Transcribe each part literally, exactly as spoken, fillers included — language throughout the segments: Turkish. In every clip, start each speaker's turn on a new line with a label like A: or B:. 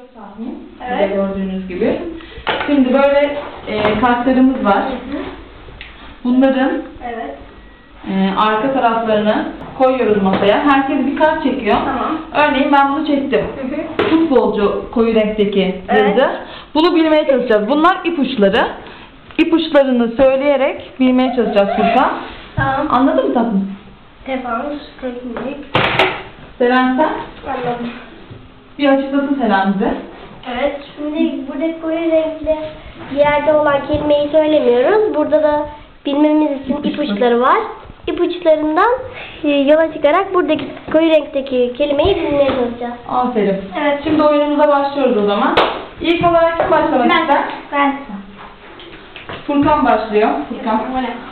A: tahmin.
B: Evet.
A: Size gördüğünüz gibi. Şimdi böyle e, kartlarımız var. Bunların
B: Evet.
A: e, arka taraflarını koyuyoruz masaya. Herkes bir kart çekiyor.
B: Tamam.
A: Örneğin ben bunu çektim.
B: Hı hı.
A: Futbolcu koyu renkteki
B: Evet.
A: yazı. Bunu bilmeye çalışacağız. Bunlar ipuçları. İpuçlarını söyleyerek bilmeye çalışacağız Furkan.
B: Tamam.
A: Anladın mı tatlım?
B: Defans, teknik.
A: Seren sen
B: Anladım.
A: bir açıklasın Seren bize.
B: Evet, şimdi burada koyu renkli bir yerde olan kelimeyi söylemiyoruz. Burada da bilmemiz için ipuçları var. İpuçlarından e, yola çıkarak buradaki koyu renkteki kelimeyi bilmeye çalışacağız.
A: Aferin.
B: Evet.
A: Şimdi oyunumuza başlıyoruz o zaman. İlk olarak kim başlamak ister?
B: Ben.
A: Furkan başlıyor. Furkan.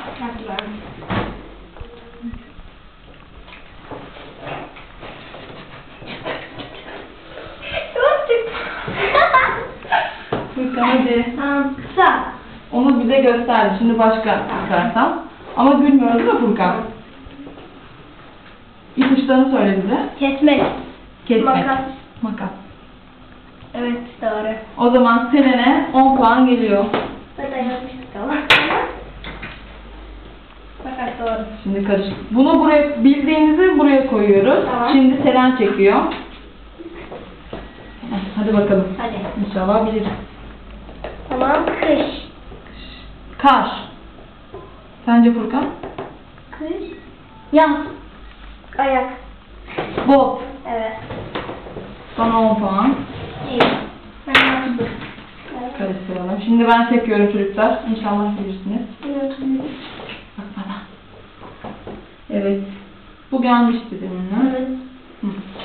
A: Furkan hadi.
B: Tamam, kısa.
A: Onu bize gösterdi. Şimdi başka çıkarsam. Ama gülmüyoruz da Furkan. İpuçlarını söyle bize.
B: Kesmek.
A: Kesmek.
B: Makas.
A: Makas.
B: Evet, doğru.
A: O zaman Selen'e on puan geliyor.
B: Zaten yazmıştık ama. Fakat doğru.
A: Şimdi karışık. Bunu buraya bildiğinizi buraya koyuyoruz.
B: Tamam.
A: Şimdi Selen çekiyor. Heh, Hadi bakalım.
B: Hadi.
A: İnşallah bilir.
B: Tamam, kış.
A: Kar. Sence Furkan?
B: Kış. Yaz. Ayak.
A: Bot.
B: Evet.
A: Bana on puan.
B: İyi. Ben yazdım. Evet.
A: Karıştıralım. Şimdi ben çekiyorum çocuklar. İnşallah bilirsiniz. Bak bana. Evet. Bu gelmişti demin.
B: Evet.
A: Hı.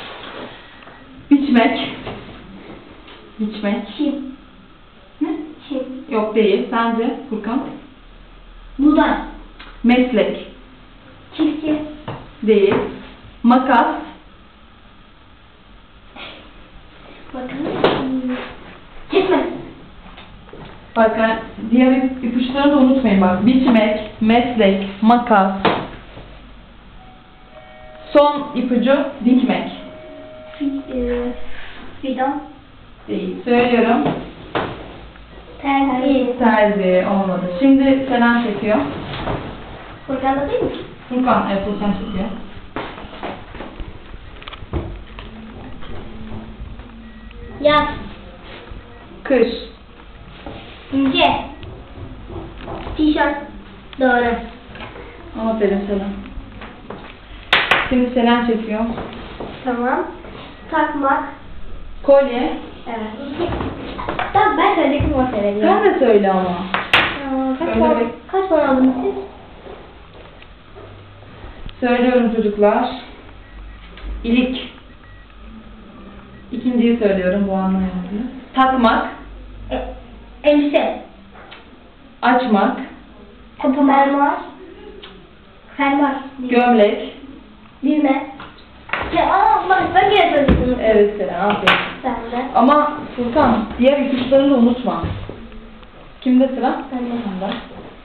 A: Biçmek. Biçmek.
B: Çim.
A: Ne?
B: Çim.
A: Yok değil. Sence Furkan?
B: Buğday.
A: Meslek.
B: Çiftçi.
A: Değil. Makas.
B: Bakın. Kesme.
A: Bak ben diğer ip- ipuçlarını da unutmayın bak. Biçmek, meslek, makas. Son ipucu dikmek.
B: Fi- e, Fidan.
A: Değil. Söylüyorum.
B: Terzi.
A: Terzi olmadı. Şimdi Selen çekiyor.
B: Furkan'da değil mi?
A: Furkan, evet Furkan çekiyor.
B: Yaz.
A: Kış.
B: İnce. Tişört. Doğru.
A: Aferin Selen. Şimdi Selen çekiyor.
B: Tamam. Takmak.
A: Kolye.
B: Evet. Tamam, ben söyledim o sebebi.
A: Sen de söyle ama.
B: Aa, Kaç
A: Öyle
B: puan,
A: mi?
B: kaç puan aldınız siz?
A: Söylüyorum çocuklar. İlik. İkinciyi söylüyorum bu anlamda. Takmak.
B: E, elbise.
A: Açmak.
B: Fermuar. Fermuar.
A: Gömlek.
B: Düğme. Ya Allah, ben gene söyledim.
A: Evet Selen, aferin.
B: Sen de.
A: Ama Furkan, diğer ipuçlarını da unutma. Kimde sıra?
B: Ben de.
A: Sende.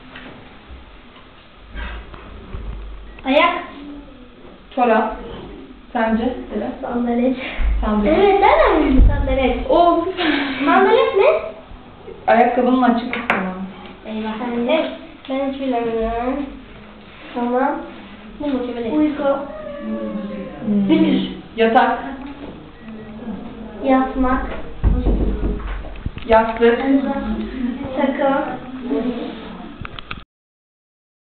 B: Ayak.
A: Çorap. Sence Selen?
B: Sandalet.
A: Sandalet.
B: Evet, nereden bildin sandalet?
A: O
B: Sandalet ne?
A: ayakkabının açık kısmı.
B: Eyvah. Ben de. Ben hiç bilemiyorum. Tamam. Bu mu ki? Uyku.
A: Hmm.
B: Gündüz.
A: Yatak.
B: Yatmak.
A: Yastık.